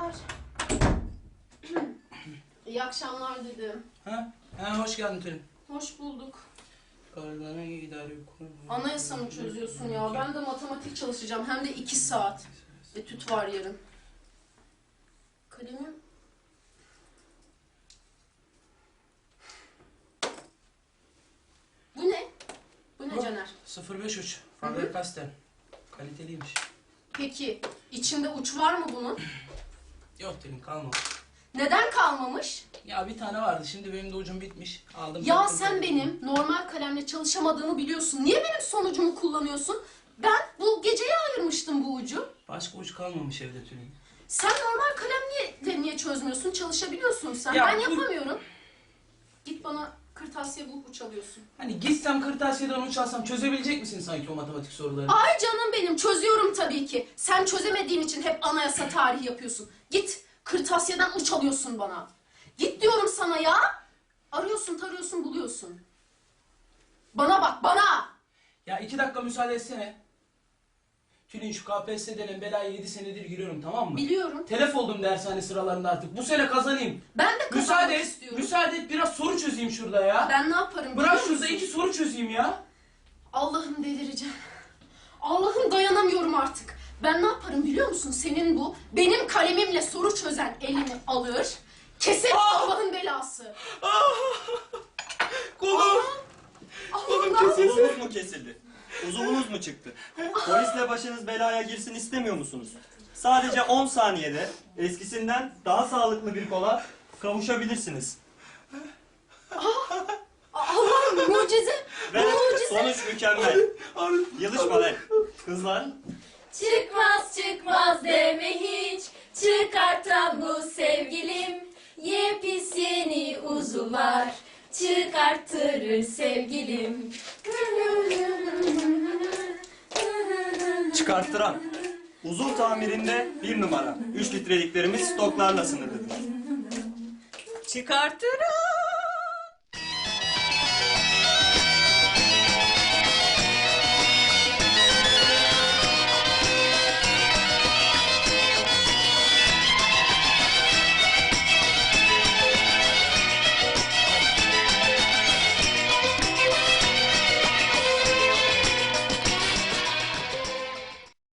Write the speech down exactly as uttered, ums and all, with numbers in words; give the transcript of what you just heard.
akşamlar. İyi akşamlar dedim. Ha? Ha, hoş geldin Tülin. Hoş bulduk. Kararlarına idare kurum. Anayasa mı çözüyorsun ya? Ben de matematik çalışacağım. Hem de iki saat. Etüt var yarın. Kalemim... Bu ne? Bu ne Caner? sıfır beş uç. Faber-Castell. Kaliteliymiş. Peki, içinde uç var mı bunun? Yok Tülin, kalma. Neden kalmamış? Ya bir tane vardı, şimdi benim de ucum bitmiş. Aldım. Ya taktım, sen taktım. benim normal kalemle çalışamadığımı biliyorsun. Niye benim sonucumu kullanıyorsun? Ben bu geceye ayırmıştım bu ucu. Başka uç kalmamış evde Tülin. Sen normal kalemle niye çözmüyorsun? Çalışabiliyorsun sen. Ya ben bu- yapamıyorum. Git bana kırtasiye bulup uç alıyorsun. Hani gitsem kırtasiyeden uç alsam çözebilecek misin sanki o matematik soruları? Ay canım benim, çözüyorum tabii ki. Sen çözemediğin için hep anayasa tarihi yapıyorsun. Git kırtasiyeden uç alıyorsun bana. Git diyorum sana ya. Arıyorsun, tarıyorsun, buluyorsun. Bana bak, bana. Ya iki dakika müsaade etsene. Tülin, şu K P S S denen belaya yedi senedir giriyorum, tamam mı? Biliyorum. Telef oldum dershane sıralarında artık. Bu sene kazanayım. Ben de kazanmak Müsaade et, istiyorum. müsaade et, biraz soru çözeyim şurada ya. Ben ne yaparım Bırak biliyor şurada musun? iki soru çözeyim ya. Allah'ım delireceğim. Allah'ım dayanamıyorum artık. Ben ne yaparım biliyor musun? Senin bu benim kalemimle soru çözen elini alır. Kesin Allah'ın belası. Kolum. Allah'ım Kolunuz mu kesildi? Uzuvunuz mu çıktı? Polisle başınız belaya girsin istemiyor musunuz? Sadece on saniyede eskisinden daha sağlıklı bir kola kavuşabilirsiniz. Allah'ım mucize. Ve Mucize. sonuç mükemmel. Yılışma lan. Kızlar. Çıkmaz çıkmaz deme hiç, çıkartan bu sevgilim. Yepis yeni uzuvlar, çıkarttırır sevgilim. Çıkarttıran. Uzuv tamirinde bir numara. üç litreliklerimiz stoklarla sınırlıdır. Çıkartırım.